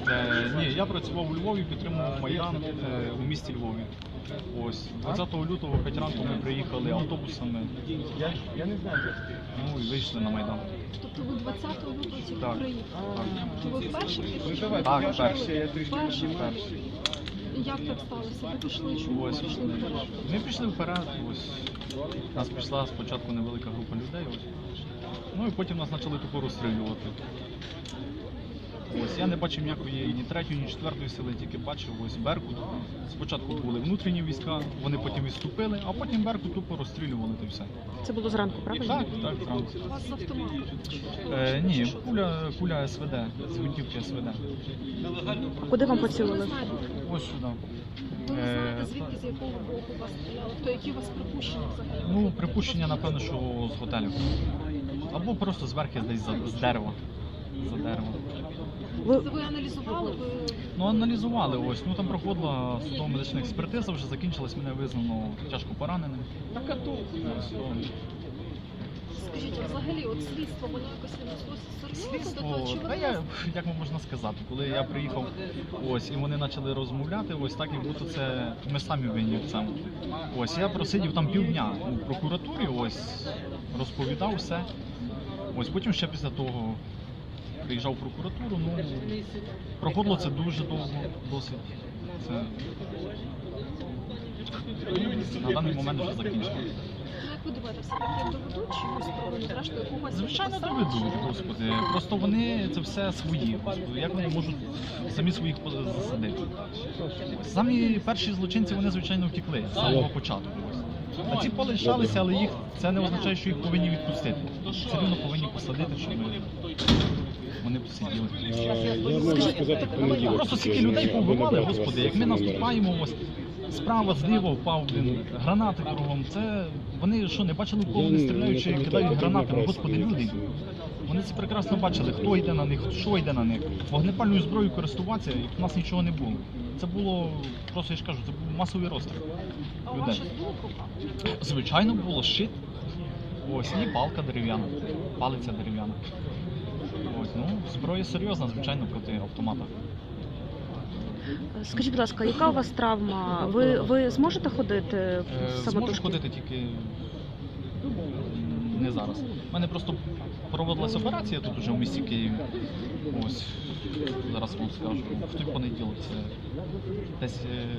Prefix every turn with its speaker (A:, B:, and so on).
A: Ні, я працював у Львові, підтримував Майдан у місті Львові. Ось 20 лютого о 5 ранку ми приїхали автобусами. Ну і вийшли на Майдан.
B: Тобто ви 20 лютого тільки
A: Так.
B: приїхали? Ви вперше пішли?
A: Так, перший.
B: Перший. Як так сталося? Ви пішли, чому ви
A: Ось.
B: пішли вперед?
A: Ми пішли вперед. Ось нас пішла спочатку невелика група людей. Ось. Ну і потім нас почали тупо розстрілювати. Ось я не бачив ніякої ні третьої, ні четвертої сили, тільки бачив ось Беркут. Спочатку були внутрішні війська, вони потім відступили, а потім Беркут тупо розстрілювали і все.
C: Це було зранку, правильно?
A: Так, зранку.
B: У вас з автомату?
A: Ні, куля СВД, з гвинтівки СВД.
C: А куди вам
B: Ви
C: поцілили?
B: знаєте,
A: Ось сюди.
B: ви не знаєте, звідки, з якого боку вас стріляли? То які у вас припущення взагалі?
A: Ну, припущення, напевно, що з готелю. Або просто зверху десь з дерева. За дерева.
C: Ви
B: Це ви аналізували? Ви...
A: Ну, аналізували ось. Ну там проходила судово-медична експертиза, вже закінчилась, мене визнано тяжко пораненим. Ось,
B: Скажіть, а взагалі, от слідство, воно якось віднеслося серйозно до того, чи
A: Та
B: воно...
A: я, як можна сказати, коли я приїхав ось і вони почали розмовляти, ось так як будто це ми самі винні в цьому. Ось я просидів там півдня у прокуратурі, ось розповідав все. Ось потім ще після того приїжджав в прокуратуру. Ну проходило це дуже довго, досить. Це на даний момент вже закінчилося.
B: Ну, як ви думаєте, все-таки доведуть чимось справу, зрештою, когось...
A: Звичайно, доведуть, господи. Просто вони це все свої. Господи. Як вони можуть самі своїх засадити? Самі перші злочинці, вони, звичайно, втекли з самого початку. А ці полишалися, але їх це не означає, що їх повинні відпустити. Все рівно повинні посадити, щоб вони посиділи.
D: Я можу сказати, в понеділок.
A: Просто скільки людей повбивали, господи, як ми наступаємо, ось справа, зліва впав гранати кругом. Це вони що, не бачили, в кого вони стріляють чи кидають гранатами? Господи, люди. Вони це прекрасно бачили, хто йде на них, що йде на них. Вогнепальною зброєю користуватися, і в нас нічого не було. Це було, просто я ж кажу, це був масовий розстріл
B: А у вас
A: людей.
B: щось було в руках?
A: Звичайно, було щит. Ось, і палка дерев'яна, палиця дерев'яна. Ось, ну, зброя серйозна, звичайно, проти автомата.
C: скажіть, будь ласка, яка у вас травма? Ви зможете ходити
A: Зможу
C: самотужки?
A: ходити тільки не зараз. У мене просто проводилась операція тут уже в місті Києві. Ось, зараз вам скажу. В той понеділок це десь